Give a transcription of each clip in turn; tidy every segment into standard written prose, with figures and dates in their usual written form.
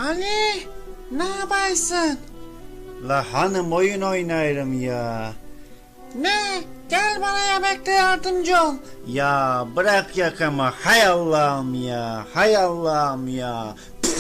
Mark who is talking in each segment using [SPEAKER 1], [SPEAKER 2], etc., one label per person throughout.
[SPEAKER 1] Ali, ne yaparsın?
[SPEAKER 2] La hanım oyun oynarım ya.
[SPEAKER 1] Ne? Gel bana yemekte yardımcı ol.
[SPEAKER 2] Ya bırak yakama, hay Allah'ım ya, hay Allah'ım ya.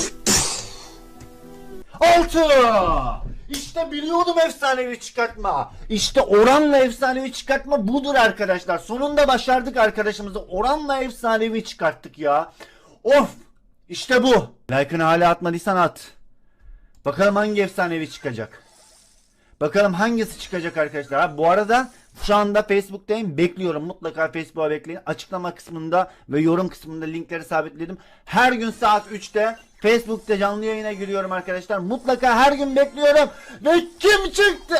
[SPEAKER 2] 6! İşte biliyordum efsanevi çıkartma. İşte oranla efsanevi çıkartma budur arkadaşlar. Sonunda başardık arkadaşımızı. Oranla efsanevi çıkarttık ya. Of! İşte bu. Like'ını hala atmadıysan at. Bakalım hangi efsanevi çıkacak. Bakalım hangisi çıkacak arkadaşlar. Ha, bu arada şu anda Facebook'tayım. Bekliyorum. Mutlaka Facebook'a bekleyin. Açıklama kısmında ve yorum kısmında linkleri sabitledim. Her gün saat 3'te Facebook'ta canlı yayına giriyorum arkadaşlar. Mutlaka her gün bekliyorum. Ve kim çıktı?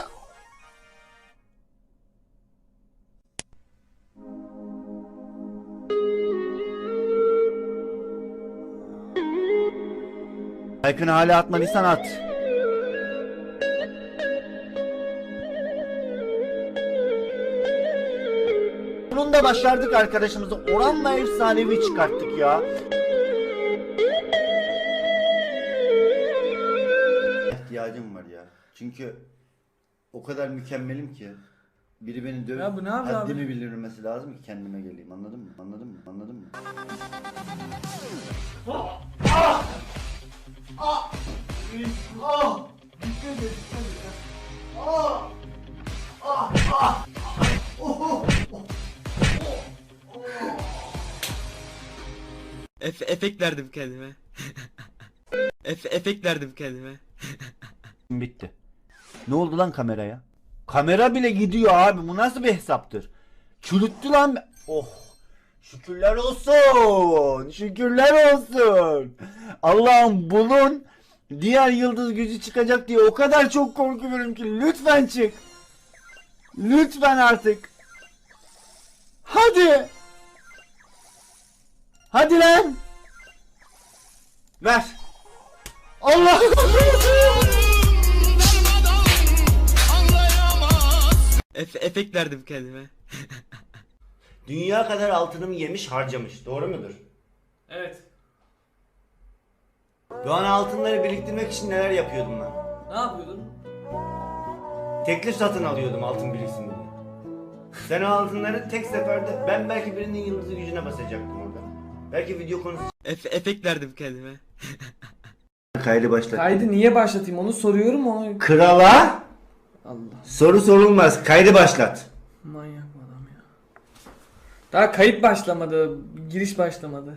[SPEAKER 2] Like'ını hala atmadıysan at. Sonunda başardık arkadaşımızı. Oranla efsanevi çıkarttık ya. İhtiyacım var ya. Çünkü o kadar mükemmelim ki. Biri beni dövüp
[SPEAKER 3] Ya bu ne yapıyor abi?
[SPEAKER 2] haddimi bildirmesi lazım ki kendime geleyim. Anladın mı? Anladın mı? Anladın mı?
[SPEAKER 3] Efekt verdim kendime. Efekt verdim kendime.
[SPEAKER 2] Bitti. Ne oldu lan kameraya? Kamera bile gidiyor abi. Bu nasıl bir hesaptır? Çürüttü lan. Oh. Şükürler olsun. Şükürler olsun. Allah'ım bunun diğer yıldız gücü çıkacak diye o kadar çok korkuyorum ki. Lütfen çık. Lütfen artık. Hadi. Hadi lan. Ver. Allah.
[SPEAKER 3] Efekt verdim kendime.
[SPEAKER 2] Dünya kadar altınımı yemiş harcamış. Doğru mudur?
[SPEAKER 3] Evet.
[SPEAKER 2] Doğan altınları biriktirmek için neler yapıyordum ben?
[SPEAKER 3] Ne yapıyordun?
[SPEAKER 2] Teklif satın alıyordum altın biriksin diye. Sen o altınları tek seferde ben belki birinin yıldızı gücüne basacaktım orada. Belki video konusu.
[SPEAKER 3] Efekt verdim kendime.
[SPEAKER 2] Kaydı başlat.
[SPEAKER 4] Kaydı niye başlatayım onu soruyorum onu.
[SPEAKER 2] Krala
[SPEAKER 4] Allah
[SPEAKER 2] soru sorulmaz. Kaydı başlat.
[SPEAKER 4] manyak bu adam ya. Daha kayıt başlamadı, giriş başlamadı.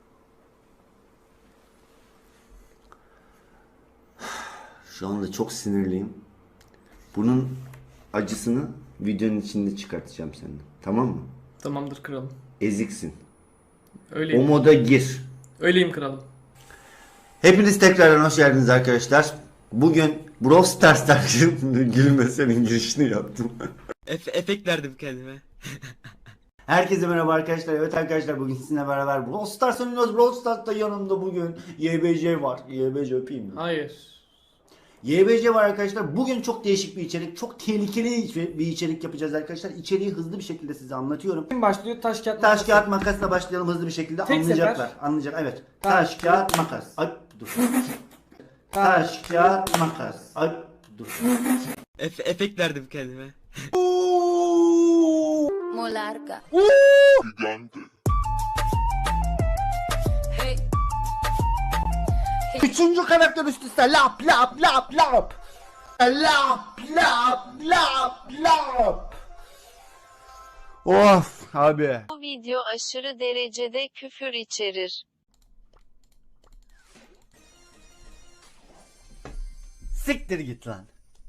[SPEAKER 2] Şu anda çok sinirliyim. Bunun acısını videonun içinde çıkartacağım senden. Tamam mı?
[SPEAKER 4] Tamamdır kralım.
[SPEAKER 2] Eziksin. O
[SPEAKER 4] Öyleyim.
[SPEAKER 2] moda gir.
[SPEAKER 4] Öyleyim kralım.
[SPEAKER 2] Hepiniz tekrardan hoş geldiniz arkadaşlar. Bugün Brawl Stars'tan gülme senin girişini yaptım.
[SPEAKER 3] Efekt verdim kendime.
[SPEAKER 2] Herkese merhaba arkadaşlar. Evet arkadaşlar bugün sizinle beraber Brawl Stars oynuyoruz. Brawl Stars'ta yanımda bugün YBC var. YBC öpeyim mi?
[SPEAKER 4] Hayır.
[SPEAKER 2] YBC var arkadaşlar. Bugün çok değişik bir içerik. Çok tehlikeli bir içerik yapacağız arkadaşlar. İçeriği hızlı bir şekilde size anlatıyorum.
[SPEAKER 4] Kim başlıyor? Taş kağıt
[SPEAKER 2] Taş
[SPEAKER 4] makas.
[SPEAKER 2] kağıt makasla başlayalım hızlı bir şekilde.
[SPEAKER 4] Tek
[SPEAKER 2] Anlayacaklar.
[SPEAKER 4] sefer.
[SPEAKER 2] Anlayacak. Evet.
[SPEAKER 4] Taş,
[SPEAKER 2] Taş kağıt makas. Ay dur. Taş kağıt makas. Ay dur.
[SPEAKER 3] Efekt verdim kendime.
[SPEAKER 5] Molarga.
[SPEAKER 2] Üçüncü karakter üst üste lap lap lap lap. Lap lap lap lap. Of abi.
[SPEAKER 5] Bu video aşırı derecede küfür içerir.
[SPEAKER 2] Siktir git lan.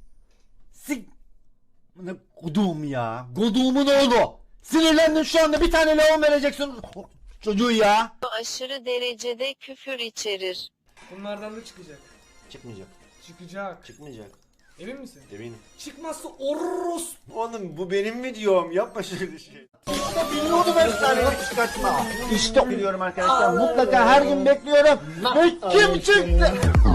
[SPEAKER 2] Ne kodum ya. Kodumun oğlu. Sinirlendim şu anda bir tane leon vereceksin. Çocuğu ya.
[SPEAKER 5] Bu aşırı derecede küfür içerir.
[SPEAKER 4] Bunlardan da çıkacak.
[SPEAKER 2] Çıkmayacak.
[SPEAKER 4] Çıkacak.
[SPEAKER 2] Çıkmayacak.
[SPEAKER 4] Emin misin?
[SPEAKER 2] Eminim.
[SPEAKER 4] Çıkmazsa orros.
[SPEAKER 2] Oğlum bu benim videom. Yapma şöyle şey. Biliyordum efsaneyi çıkartma. İşte biliyorum arkadaşlar. Mutlaka her gün bekliyorum. Ve kim çıktı?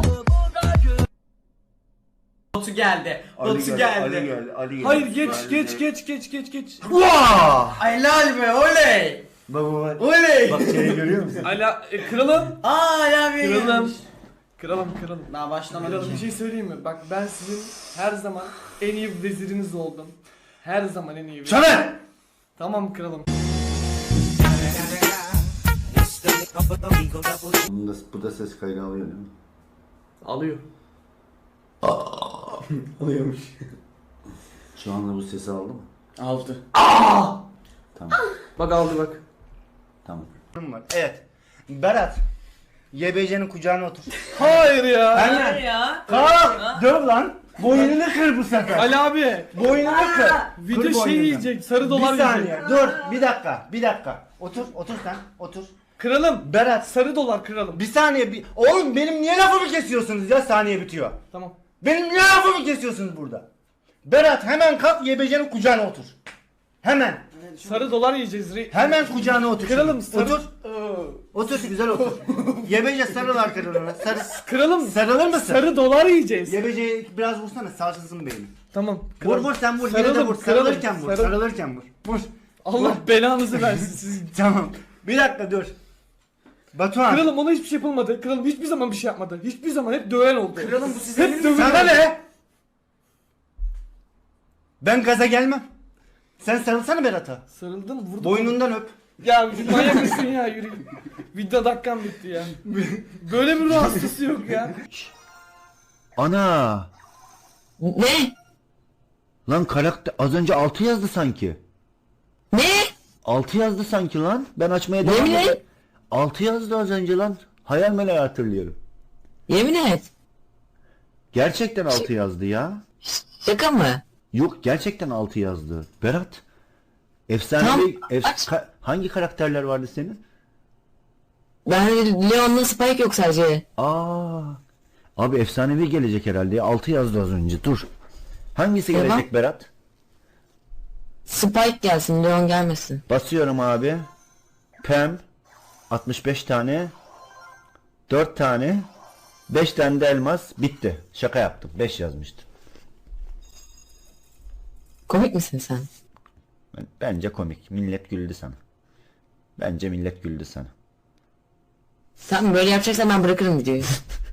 [SPEAKER 4] Batu geldi. Batu geldi.
[SPEAKER 2] Ali
[SPEAKER 4] Hayır geç.
[SPEAKER 2] Vaa!
[SPEAKER 3] Helal be oley.
[SPEAKER 2] Bak.
[SPEAKER 3] Oley.
[SPEAKER 2] Bak seni görüyor musun?
[SPEAKER 4] Ala kralım.
[SPEAKER 3] Aa ya benim.
[SPEAKER 4] Kralım. Kralım.
[SPEAKER 3] Daha başlamadı
[SPEAKER 4] Kralım bir
[SPEAKER 3] ki.
[SPEAKER 4] şey söyleyeyim mi? Bak ben sizin her zaman en iyi veziriniz oldum. Her zaman en iyi vezir.
[SPEAKER 2] Şöyle.
[SPEAKER 4] Tamam kralım.
[SPEAKER 2] Bu da ses kaydı alıyor değil mi?
[SPEAKER 4] Alıyor.
[SPEAKER 3] Alıyormuş.
[SPEAKER 2] Şu anda bu sesi aldı mı?
[SPEAKER 3] Aldı.
[SPEAKER 2] Tamam.
[SPEAKER 4] Bak aldı bak.
[SPEAKER 2] Tamam. Evet. Berat. YBC'nin kucağına otur.
[SPEAKER 4] Hayır ya.
[SPEAKER 2] Aynen.
[SPEAKER 6] ya.
[SPEAKER 2] Kalk. Döv lan. Boynunu kır bu sefer.
[SPEAKER 4] Ali abi.
[SPEAKER 2] Boynunu kır.
[SPEAKER 4] Video
[SPEAKER 2] Kır
[SPEAKER 4] şey
[SPEAKER 2] boynunu.
[SPEAKER 4] yiyecek. Sarı dolar
[SPEAKER 2] Bir saniye.
[SPEAKER 4] yiyecek.
[SPEAKER 2] Dur. Bir dakika. Otur sen. Otur.
[SPEAKER 4] Kralım.
[SPEAKER 2] Berat.
[SPEAKER 4] Sarı dolar kralım.
[SPEAKER 2] Bir saniye. Oğlum benim niye lafımı kesiyorsunuz ya? Saniye bitiyor.
[SPEAKER 4] Tamam.
[SPEAKER 2] Benim niye lafımı kesiyorsunuz burada? Berat hemen kalk YBC'nin kucağına otur. Hemen.
[SPEAKER 4] Sarı dolar yiyeceğiz.
[SPEAKER 2] Hemen kucağına otur.
[SPEAKER 4] Kralım
[SPEAKER 2] şimdi.
[SPEAKER 4] sarı...
[SPEAKER 2] Otur. Otur güzel otur. YBC sarıl arkalarına.
[SPEAKER 4] Kralım.
[SPEAKER 2] Sarılır mısın?
[SPEAKER 4] Sarı dolar yiyeceğiz.
[SPEAKER 2] YBC'yi biraz vursana sarsılsın beyni.
[SPEAKER 4] Tamam.
[SPEAKER 2] Vur sen vur. Yine de
[SPEAKER 4] Sarılım,
[SPEAKER 2] vur.
[SPEAKER 4] sarılım,
[SPEAKER 2] Sarılırken vur.
[SPEAKER 4] sarıl-
[SPEAKER 2] Sarılırken vur. Vur.
[SPEAKER 4] Allah belanızı versin sizin.
[SPEAKER 2] Tamam. Bir dakika dur. Batuhan.
[SPEAKER 4] Kralım ona hiçbir şey yapılmadı. Kralım hiçbir zaman bir şey yapmadı. Hiçbir zaman hep döven oldu.
[SPEAKER 2] Kralım bu size
[SPEAKER 4] hep döven
[SPEAKER 2] sana
[SPEAKER 4] oldu.
[SPEAKER 2] ne? Ben gaza gelmem. Sen sarılsana Berat'a.
[SPEAKER 4] Sarıldım vurdum.
[SPEAKER 2] Boynundan öp.
[SPEAKER 4] Ya manyak mısın ya yürü. Video dakikam bitti ya. Böyle bir ruh hastası yok ya.
[SPEAKER 7] Ana!
[SPEAKER 6] Ne?
[SPEAKER 7] Lan karakter az önce 6 yazdı sanki.
[SPEAKER 6] Ne?
[SPEAKER 7] 6 yazdı sanki lan. Ben açmaya devam
[SPEAKER 6] Yemin
[SPEAKER 7] edeyim.
[SPEAKER 6] et.
[SPEAKER 7] 6 yazdı az önce lan. Hayal meyal hatırlıyorum.
[SPEAKER 6] Yemin et.
[SPEAKER 7] Gerçekten 6 yazdı ya.
[SPEAKER 6] Şaka mı?
[SPEAKER 7] Yok gerçekten 6 yazdı. Berat. Efsanevi
[SPEAKER 6] Tamam, aç.
[SPEAKER 7] hangi karakterler vardı senin?
[SPEAKER 6] Ben Leon'la Spike yok sadece.
[SPEAKER 7] Abi efsanevi gelecek herhalde ya. 6 yazdı az önce. Dur. Hangisi
[SPEAKER 6] Tamam.
[SPEAKER 7] gelecek Berat?
[SPEAKER 6] Spike gelsin, Leon gelmesin.
[SPEAKER 7] Basıyorum abi. Pem 65 tane 4 tane 5 tane de elmas bitti. Şaka yaptım. 5 yazmıştım.
[SPEAKER 6] Komik misin sen?
[SPEAKER 7] Bence komik. Millet güldü sana. Bence millet güldü sana.
[SPEAKER 6] Sen böyle yapacaksan ben bırakırım videoyu.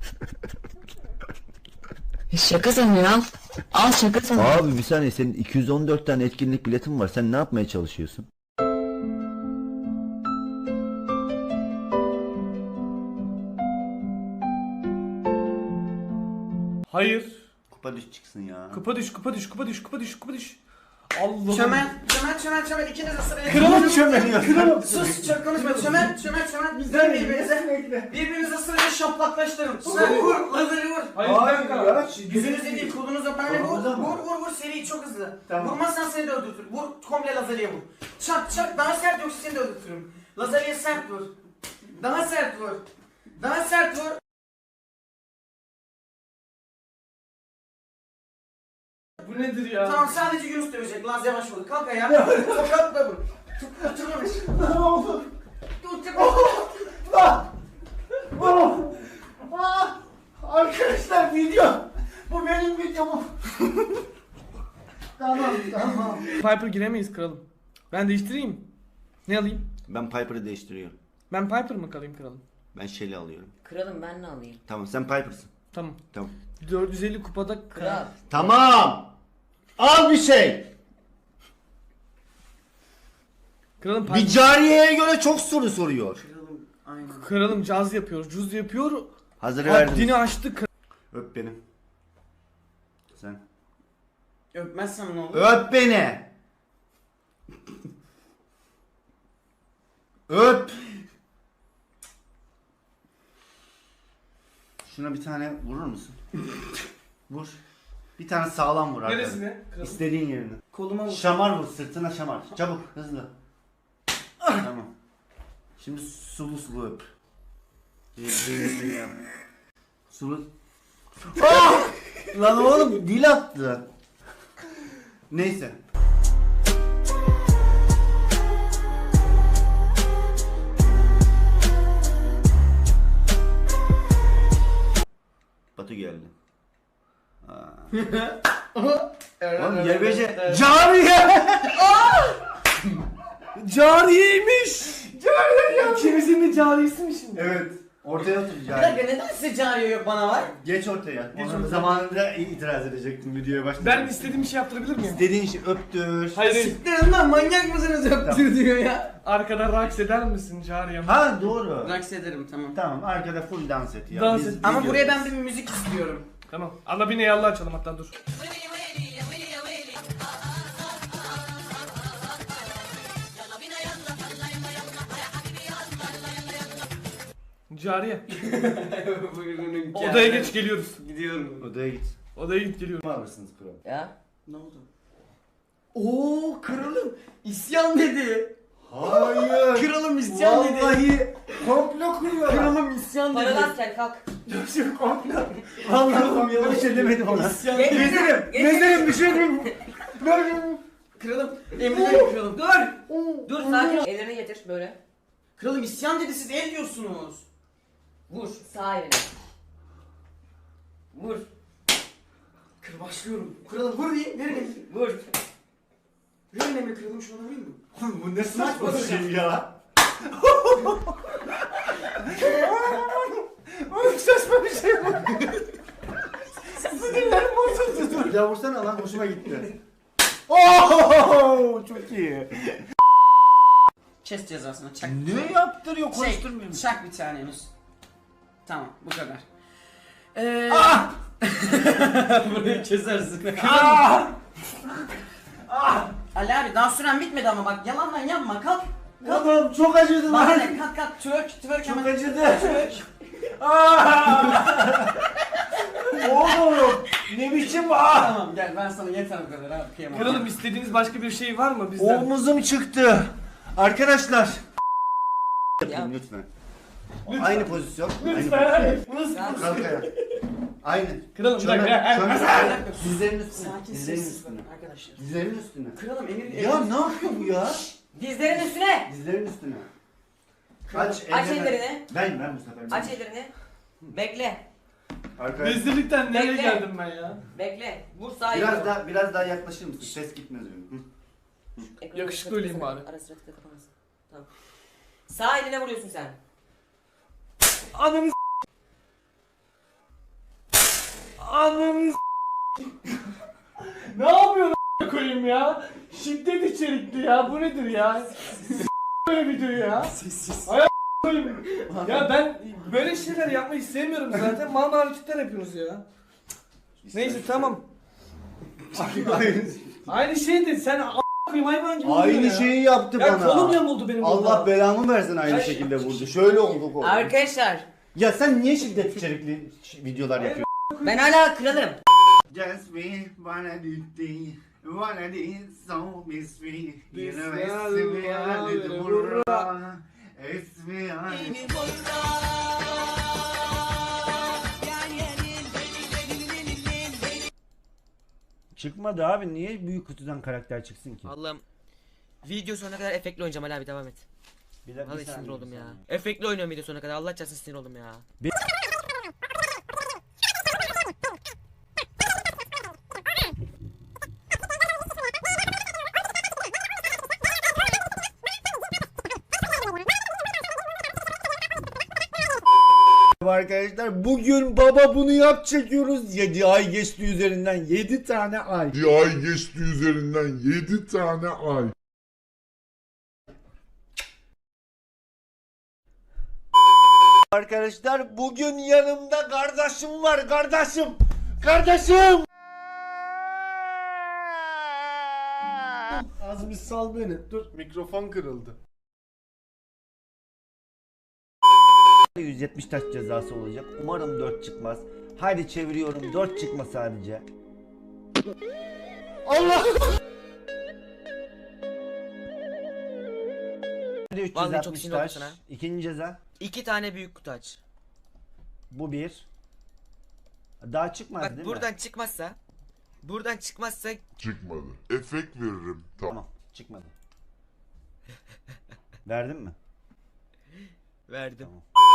[SPEAKER 6] Şaka sanıyorum. Al şaka sanıyorum.
[SPEAKER 7] Abi bir saniye senin 214 tane etkinlik biletin var. Sen ne yapmaya çalışıyorsun?
[SPEAKER 4] Hayır.
[SPEAKER 2] Kupa düş çıksın ya.
[SPEAKER 4] Kupa düş. Allah.
[SPEAKER 3] Çömel ikiniz de sıraya.
[SPEAKER 4] Kralım
[SPEAKER 2] çömeliyor.
[SPEAKER 4] Kralım.
[SPEAKER 3] Sus çok konuşma. Çömel. Bizden birbirinize. Birbirinize sırayla şaplaklaştırın. Vur. Lazeri vur.
[SPEAKER 4] Hayır bir dakika.
[SPEAKER 3] Yüzünüze değil kolunuza böyle vur.
[SPEAKER 2] Kolunuza mı?
[SPEAKER 3] Vur seri çok hızlı.
[SPEAKER 2] Tamam.
[SPEAKER 3] Vurmazsan seni de öldürtür. Vur komple lazeriye vur. Çak daha sert yoksa seni de öldürtürüm. Lazeriye sert vur. Daha sert vur.
[SPEAKER 4] Bu nedir ya?
[SPEAKER 3] Tamam sadece Yunus dövecek. Laz yavaş vur. Kalk ayağa. Tokatla vur. Oturmamış. Ne oldu?
[SPEAKER 2] Arkadaşlar video. Bu benim videom. Tamam.
[SPEAKER 4] Piper giremeyiz kralım. Ben değiştireyim. Ne alayım?
[SPEAKER 2] Ben Piper'ı değiştiriyorum.
[SPEAKER 4] Ben Piper mı kalayım kralım?
[SPEAKER 2] Ben Shelly alıyorum.
[SPEAKER 6] Kralım ben ne alayım?
[SPEAKER 2] Tamam sen Piper'sın.
[SPEAKER 4] Tamam.
[SPEAKER 2] Tamam.
[SPEAKER 4] 450 kupada
[SPEAKER 6] Kral.
[SPEAKER 2] Tamam. Al bir şey.
[SPEAKER 4] Kralım
[SPEAKER 2] Bir
[SPEAKER 4] Piper.
[SPEAKER 2] cariyeye göre çok soru soruyor.
[SPEAKER 4] Kralım caz yapıyor. Cuz yapıyor.
[SPEAKER 2] Hazır verdim.
[SPEAKER 4] Haddini aştı.
[SPEAKER 2] Öp beni. Sen.
[SPEAKER 3] Öpmezsem ne olur?
[SPEAKER 2] Öp beni. Öp. Şuna bir tane vurur musun? Vur. Bir tane sağlam vur arkadaşlar.
[SPEAKER 4] Neresine? Kralım.
[SPEAKER 2] İstediğin yerine.
[SPEAKER 3] Koluma vur.
[SPEAKER 2] Şamar vur, sırtına şamar. Çabuk, hızlı. Tamam. Şimdi sulu sulu öp. Sulu. Ah! Lan oğlum dil attı. Neyse. Batu geldi. Oğlum YBC cariye.
[SPEAKER 4] Cariyeymiş. Cariye ya. İkimizin de cariyesi mi şimdi?
[SPEAKER 2] Evet. Ortaya otur
[SPEAKER 3] Bir
[SPEAKER 2] Cari.
[SPEAKER 3] dakika neden size cariye yok bana var?
[SPEAKER 2] Geç ortaya.
[SPEAKER 4] Geç
[SPEAKER 2] Onun
[SPEAKER 4] ortaya.
[SPEAKER 2] zamanında itiraz edecektim videoya başlamadan.
[SPEAKER 4] Ben istediğim bir şey yaptırabilir miyim?
[SPEAKER 2] İstediğin şey öptür.
[SPEAKER 4] Hayır.
[SPEAKER 3] Siktirin lan manyak mısınız öptür diyor ya.
[SPEAKER 4] Arkada raks eder misin Cariyem?
[SPEAKER 2] Ha doğru.
[SPEAKER 3] Raks ederim tamam.
[SPEAKER 2] Tamam arkada full dans et ya.
[SPEAKER 4] Dans
[SPEAKER 2] Biz
[SPEAKER 4] et.
[SPEAKER 3] Ama
[SPEAKER 2] videodayız.
[SPEAKER 3] buraya ben bir müzik istiyorum.
[SPEAKER 4] Tamam. Allah bir Allah açalım hatta dur. Cariye.
[SPEAKER 3] Buyurun
[SPEAKER 4] Odaya geç geliyoruz.
[SPEAKER 3] Gidiyorum.
[SPEAKER 2] Odaya git.
[SPEAKER 4] Odaya git geliyoruz.
[SPEAKER 2] Ne alırsınız kral?
[SPEAKER 6] Ya.
[SPEAKER 3] Ne oldu? Oo kralım isyan dedi.
[SPEAKER 2] Hayır.
[SPEAKER 3] Kralım isyan dedi.
[SPEAKER 2] Vallahi komplo kuruyorlar.
[SPEAKER 3] Kralım isyan dedi.
[SPEAKER 6] Paradan gel kalk.
[SPEAKER 2] Çok komplo. Vallahi komplo bir şey demedim ona.
[SPEAKER 3] İsyan
[SPEAKER 6] Geç.
[SPEAKER 3] dedi.
[SPEAKER 2] Gezerim düşerim.
[SPEAKER 3] Kralım emrederim kralım. Dur.
[SPEAKER 6] Dur sakin ol. Ellerini getir böyle.
[SPEAKER 3] Kralım isyan dedi siz el diyorsunuz.
[SPEAKER 6] Vur sağ elini. Vur.
[SPEAKER 3] Kır başlıyorum. Kralım vur diyeyim. Verin emri.
[SPEAKER 6] Vur.
[SPEAKER 3] Verin emri kralım şuna vurayım mı?
[SPEAKER 2] Bu ne saçma bir şey ya. Oğlum saçma bir şey bu. Sinirlerim bozuldu. Ya vursana lan hoşuma gitti. Oo çok iyi.
[SPEAKER 3] Kes cezasını çak.
[SPEAKER 2] Ne yaptırıyor konuşturmuyor.
[SPEAKER 3] Çak bir tane henüz. Tamam bu kadar. Burayı kesersin. Ali abi daha süren bitmedi ama bak yalandan yapma kalk.
[SPEAKER 2] Oğlum çok acıdı
[SPEAKER 3] Bak
[SPEAKER 2] lan.
[SPEAKER 3] hele kalk twerk
[SPEAKER 2] Çok
[SPEAKER 3] hemen.
[SPEAKER 2] acıdı.
[SPEAKER 3] Twerk.
[SPEAKER 2] Oğlum ne biçim
[SPEAKER 3] Tamam gel ben sana yeter bu kadar abi kıyamam.
[SPEAKER 4] Kralım istediğiniz başka bir şey var mı bizden?
[SPEAKER 2] Omuzum çıktı. Arkadaşlar.
[SPEAKER 6] Ya.
[SPEAKER 2] Lütfen. Aynı pozisyon.
[SPEAKER 4] Lütfen. Bu nasıl?
[SPEAKER 2] Kalk ayağa. Aynı.
[SPEAKER 4] Kralım bir
[SPEAKER 2] Şöyle,
[SPEAKER 4] dakika.
[SPEAKER 2] şöyle. Dizlerin üstüne.
[SPEAKER 3] Sakin
[SPEAKER 2] Dizlerin
[SPEAKER 3] sessiz
[SPEAKER 2] üstüne.
[SPEAKER 3] arkadaşlar.
[SPEAKER 2] Dizlerin üstüne.
[SPEAKER 3] Kralım emir
[SPEAKER 2] Ya ne yapıyor bu ya?
[SPEAKER 6] Dizlerin üstüne.
[SPEAKER 2] Dizlerin üstüne.
[SPEAKER 6] Aç ellerini.
[SPEAKER 2] Ben bu sefer.
[SPEAKER 6] Aç ellerini. Bekle.
[SPEAKER 2] Arkadaşlar.
[SPEAKER 4] Rezillikten nereye
[SPEAKER 6] Bekle.
[SPEAKER 4] geldim ben ya?
[SPEAKER 6] Bekle. Vur sağ elini.
[SPEAKER 2] Biraz daha yaklaşır mısın? Ses gitmez benim.
[SPEAKER 6] Ekranı
[SPEAKER 4] Yakışıklı
[SPEAKER 6] sıra
[SPEAKER 4] öleyim bari.
[SPEAKER 6] Ara sıra tıkla kapamasın. Tamam. Sağ eline vuruyorsun sen.
[SPEAKER 4] Ananı Ananı Ne yapıyorsun a**a koyayım ya? Şiddet içerikli ya. Bu nedir ya? Böyle video ya.
[SPEAKER 3] Sessiz.
[SPEAKER 4] Ay koyayım. Ya ben böyle şeyler yapmayı sevmiyorum zaten. Mal hareketler yapıyorsunuz ya. Neyse tamam. Aynı şeydi. Sen a**a koyayım hayvan gibi vuruyorsun
[SPEAKER 2] Aynı
[SPEAKER 4] ya.
[SPEAKER 2] şeyi yaptı
[SPEAKER 4] Ya kolum
[SPEAKER 2] bana.
[SPEAKER 4] yamuldu benim
[SPEAKER 2] Allah
[SPEAKER 4] burada.
[SPEAKER 2] belamı versin aynı
[SPEAKER 4] Ay.
[SPEAKER 2] şekilde vurdu. Şöyle olduk oldu.
[SPEAKER 6] Arkadaşlar
[SPEAKER 2] Ya sen niye şiddet içerikli videolar yapıyorsun?
[SPEAKER 6] ben hala kralım.
[SPEAKER 2] Just me wanna do thing, wanna do so miss me. You know
[SPEAKER 4] Biz
[SPEAKER 2] it's me
[SPEAKER 4] ya,
[SPEAKER 2] I did burra. It's me I did. Çıkmadı abi, niye büyük kutudan karakter çıksın ki?
[SPEAKER 6] Allah'ım. Video sonuna kadar efektli oynayacağım Ali abi devam et.
[SPEAKER 2] Bir
[SPEAKER 6] Vallahi sinir oldum ya. Efektli oynuyorum video sonuna kadar. Allah çarpsın sinir oldum ya.
[SPEAKER 2] Arkadaşlar bugün baba bunu yap çekiyoruz. 7 ay geçti üzerinden, 7 tane ay.
[SPEAKER 8] Bir ay geçti üzerinden 7 tane ay.
[SPEAKER 2] Arkadaşlar bugün yanımda kardeşim var, kardeşim. Kardeşim. Az bir sal beni. Dur, mikrofon kırıldı. 170 taş cezası olacak. Umarım 4 çıkmaz. Haydi çeviriyorum. 4 çıkma sadece. Allah!
[SPEAKER 6] Vallahi çok
[SPEAKER 2] 360
[SPEAKER 6] sinir oldum
[SPEAKER 2] taş.
[SPEAKER 6] sana.
[SPEAKER 2] İkinci ceza.
[SPEAKER 6] 2 tane büyük kutu aç.
[SPEAKER 2] Bu bir. Daha çıkmaz
[SPEAKER 6] Bak
[SPEAKER 2] değil
[SPEAKER 6] buradan
[SPEAKER 2] mi?
[SPEAKER 6] çıkmazsa
[SPEAKER 8] Çıkmadı. Efekt veririm. Tamam.
[SPEAKER 2] Tamam. Çıkmadı. Verdin mi?
[SPEAKER 6] verdim.
[SPEAKER 2] Tamam.